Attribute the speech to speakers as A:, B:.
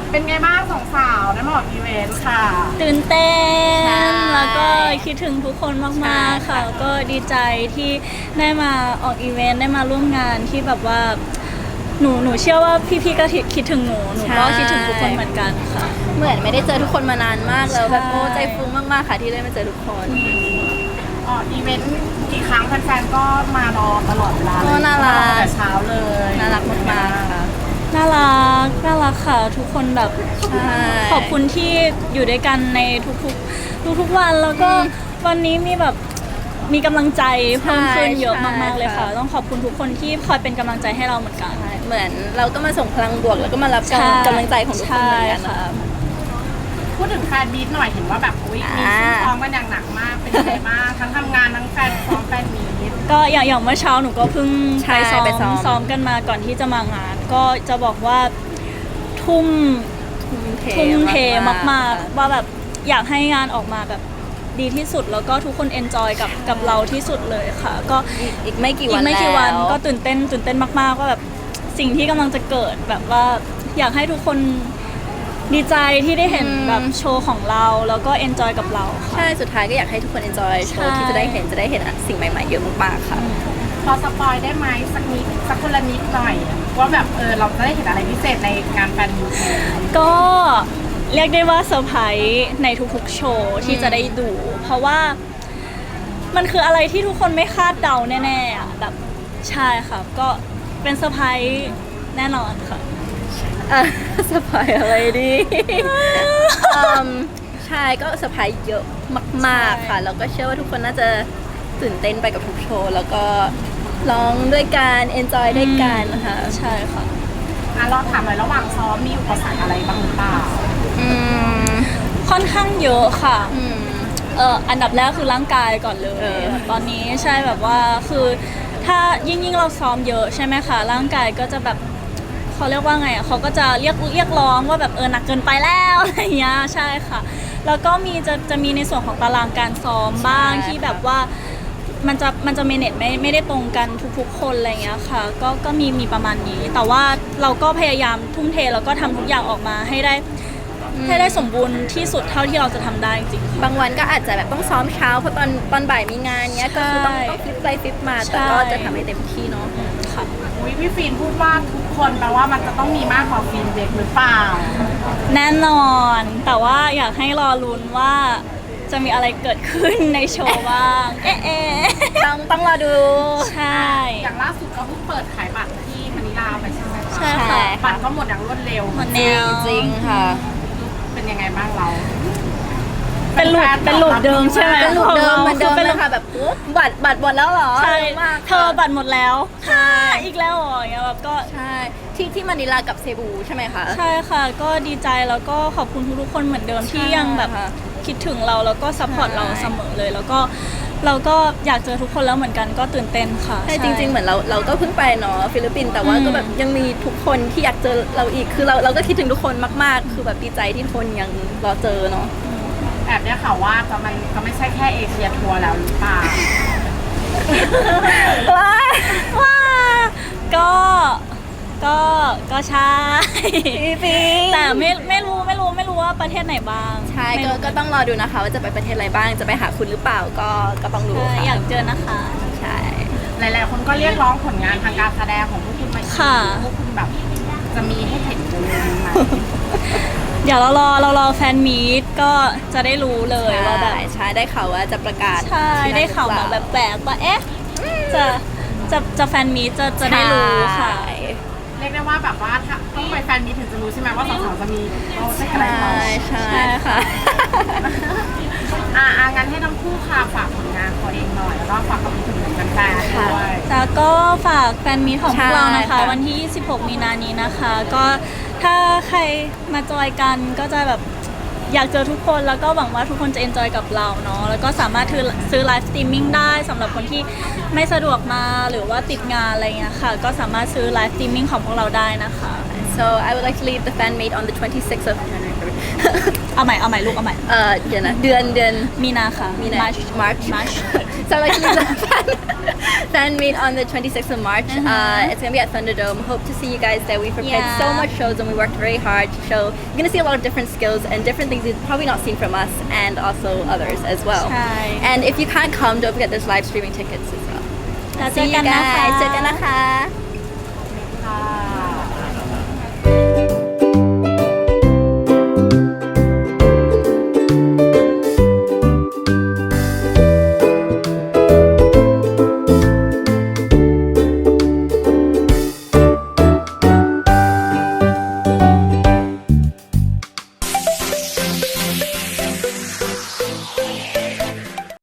A: เป็นไงบ้างสองสาวได้มาออกอีเวนต์ค่ะ
B: ตื่นเต้น
C: ใช่
B: แล้วก็คิดถึงทุกคนมากๆค่ะก็ดีใจที่ได้มาออกอีเวนต์ได้มาร่วมงานที่แบบว่าหนูเชื่อว่าพี่ๆก็คิดถึงหนูก็คิดถึงทุกคนเหมือนกันค่ะ
C: เหมือนไม่ได้เจอทุกคนมานานมากแล้วแบบ
B: ใช่
C: โอ้ใจฟูมากๆค่ะที่ได้มาเจอทุกคน
A: ออกอีเวนต์กี่ครั้งแฟนๆก็มารอตลอดเวลา
C: ก็น่ารัก
A: แต่เช้าเลย
C: น่ารักมากๆค่ะ
B: น่ารักค่ะ ทุกคนแบบ
C: ใช่
B: ขอบคุณที่อยู่ด้วยกันในทุกวันแล้วก็วันนี้มีแบบมีกำลังใจเพิ่มขึ้นเยอะมากๆเลยค่ะ ต้องขอบคุณทุกคนที่คอยเป็นกำลังใจให้เราเหมือนกัน
C: เหมือนเราก็มาส่งพลังบวกแล้วก็มารับกำลังใจของทุกคนเหมือนกัน
B: ใช่
C: นะ
B: ค่ะ
A: พูดถึงแฟนบีทหน่อยเห็นว่าแบบอุ๊ยมีซุ่มซ้อมกันอย่างหนักมากเป็นยังไงบ้างทั้งทำงานทั้งแฟนซ้อมแฟนบีท
B: ก็อย่างเมื่อเช้าหนูก็เพิ่ง
C: ใช่
B: ไป
C: ไปซ้อม
B: ซ้อมกันมาก่อนที่จะมางาน ก็จะบอกว่าทุ่มเทมากๆว่าแบบอยากให้งานออกมาแบบดีที่สุดแล้วก็ทุกคนเอนจอยกับเราที่สุดเลยค่ะ ก็
C: อีกไม่กี่
B: อี
C: วัน
B: กไม่กี่วัน
C: แล้ว
B: ก็ตื่นเต้นมากๆว่าแบบสิ่งที่กำลังจะเกิดแบบว่าอยากให้ทุกคนดีใจที่ได้เห็นแบบโชว์ของเราแล้วก็เอนจอยกับเราค่ะ
C: ใช่สุดท้ายก็อยากให้ทุกคน enjoy โชว์ที่จะได้เห็นสิ่งใหม่ๆเยอะมากๆค่ะ
A: พอสปอยได้ไหมสักนิดสักคนละนิดหน่อยว่าแบบเราจะได้เห็นอะไรพิเศษในงานแฟนมีต
B: ก็เรียกได้ว่าเซอร์ไพรส์ในทุกๆโชว์ที่จะได้ดู เพราะว่ามันคืออะไรที่ทุกคนไม่คาดเดาแน่ๆอะแบบใช่ค่ะก็เป็นเซอร์ไพรส์แน่นอนค่ะ
C: สปอยอะไรดีใช่ก็เซอร์ไพรส์เยอะมากๆค่ะ แล้วก็เชื่อว่าทุกคนน่าจะตื่นเต้นไปกับทุกโชว์ แล้วก็ร้องด้วยกัน enjoy ด้วยกันนะคะ
B: ใช่ค่ะ
A: เราถามหน่อยระหว่างซ้อมมีอุปสรรคอะไรบ้างหรือเปล่า
C: อืม
B: ค่อนข้างเยอะค่ะ
C: อืม
B: อันดับแรกคือร่างกายก่อนเลย ตอนนี้ใช่แบบว่าคือถ้ายิ่งเราซ้อมเยอะใช่ไหมคะร่างกายก็จะแบบเขาเรียกว่าไงอ่ะเขาก็จะเรียกร้องว่าแบบหนักเกินไปแล้วอะไรอย่างเงี้ยใช่ค่ะ แล้วก็จะมีในส่วนของตารางการซ้อมบ้าง
C: ใช่
B: ที่แบบว่ามันจะเมเนจไม่ได้ตรงกันทุกๆคนอะไรอย่างเงี้ยค่ะก็มีประมาณนี้ แต่ว่าเราก็พยายามทุ่มเทแล้วก็ทำทุกอย่างออกมาให้ได้สมบูรณ์ที่สุดเท่าที่เราจะทำได้จริงๆ
C: บางวันก็อาจจะแบบต้องซ้อมเช้าเพราะตอนบ่ายมีงานเนี้ยก็คือต้องฟลิปไปฟลิปมาแต่ก็จะทำให้เต็มที่เนาะ
B: ค่ะ
A: อุ๊ยพี่ฟินพูดว่าทุกคนแปลว่ามันจะต้องมีมากกว่าฟินเด็กหรือเปล่า
B: แน่นอนแต่ว่าอยากให้รอลุ้นว่าจะมีอะไรเกิดขึ้นในโชว์บ้าง เอ๊ะ
C: ต้องรอดู
B: ใช่
A: อย่างล่าสุดก็เพิ่งเปิดขายบัตรที่มะนิลาไปใช่ไหมคะ
B: ใช่
C: ใช่
B: ค่ะ
A: บัตรก็หมดอย่างรวดเร็ว
B: หมด
C: จ
B: แน
C: ริง
B: ว
C: จริงค่ะ
A: เป็นยังไงบ้างเรา
B: เป็นลูปเดิมใช่ไหม
C: เป็นลูกเดิมเหมือนเดิม
B: เป็น
C: เล
B: ลู
C: ย
B: ก
C: ค่ะแบบอุ๊ยบัตรหมดแล้วเหรอ
B: ใช่
C: เร็วมาก
B: เธอบัตรหมดแล้วอีกแล้วเหรออย่างเงี้ยแบบก็
C: ใช่ที่มะนิลากับเซบูใช่ไหมคะ
B: ใช่ค่ะ ก็ดีใจแล้วก็ขอบคุณทุกๆคนเหมือนเดิมที่ยังแบบ
C: ค่ะ
B: คิดถึงเราแล้วก็ซัพพอร์ต
C: ใช่
B: เราเสมอเลย แล้วก็เราก็อยากเจอทุกคนแล้วเหมือนกันก็ตื่นเต้นค่ะ
C: ใช่จริงๆเหมือนเราก็เพิ่งไปเนาะฟิลิปปินส์แต่ว่าก็แบบยังมีทุกคนที่อยากเจอเราอีกคือเราก็คิดถึงทุกคนมากๆ คือแบบดีใจที่ทุกคนยังรอเจอเนาะ
A: แอบได้ข่าวว่ามันก็ไม่ใช่แค่เอเชียทัวร์แล้วหรือเปล่า
B: ว่าก็ใช่ แต่ไม่รู้ว่าประเทศไหนบ้าง
C: ใช่
B: ไม่รู้
C: ก็ต้องรอดูนะคะว่าจะไปประเทศอะไรบ้างจะไปหาคุณหรือเปล่าก็ต้องดู
B: ใช่
C: ค่ะ
B: อยากเจอนะคะ
C: ใช่
A: หลายๆคนก็เรียกร้องผลงานทางการแสดงของพวกคุณมาอีก
B: ค่ะ
A: พวกคุณแบบจะมีให้เห็นกันเลยไหม
B: เดี๋ยวเรารอแฟนมีตก็จะได้รู้เลยว่าแบบ
C: ใช่ได้ข่าวว่าจะประกาศ
B: ใช่
C: ที่นั่น
B: ได้ข่าวมาแบบแปลกว่าเอ๊ะจะแฟนมีตจะได้รู้ค่ะ
C: ใช่
A: เรียกได้ว่าแบบว่าถ้าต้องไปแฟนมีตถึงจะรู้ใช่ไหมว่าสาวๆจะมีโปรเจกต์อะไร
C: ใช่
A: ต่อ
C: ใช่
B: ใช่ค่ะ
A: งั้นให้ทั้งคู่ค่ะฝากผลงานตัวเองหน่อยแล้วก็ฝากกับถึงแฟนๆด้วย
B: แล้วก็ฝากแฟนมีตของพวกเรานะคะ
C: ใช่ค่ะ
B: วันที่ 26 มีนานี้นะคะ ก็ถ้าใครมาจอยกันก็จะแบบอยากเจอทุกคนแล้วก็หวังว่าทุกคนจะเอนจอยกับเราเนาะแล้วก็สามารถซื้อไลฟ์สตรีมมิ่งได้สำหรับคนที่ไม่สะดวกมาหรือว่าติดงานอะไรเงี้ยค่ะ ก็สามารถซื้อไลฟ์สตรีมมิ่งของพวกเราได้นะคะ
C: So I would like to leave the fan meet on the 26th of
B: เอาใหม่ลูกเอาใหม่
C: เดี๋ยวนะเดือน
B: มีนาค่ะ
C: มีนา
B: March
C: March
B: March
C: So I would like to leave the fan fan meet on the 26th of March. It's gonna be at Thunderdome. Hope to see you guys there. We prepared
B: Yeah.
C: so much shows and we worked very hard to show. You're gonna see a lot of different skills and different things you've probably not seen from us and also others as well.
B: ใช่
C: And if you can't come, don't forget there's live streaming tickets as well.
B: แล้วเจ
C: See
B: อ
C: you
B: กันนะคะ
C: guys. เจอกันนะคะ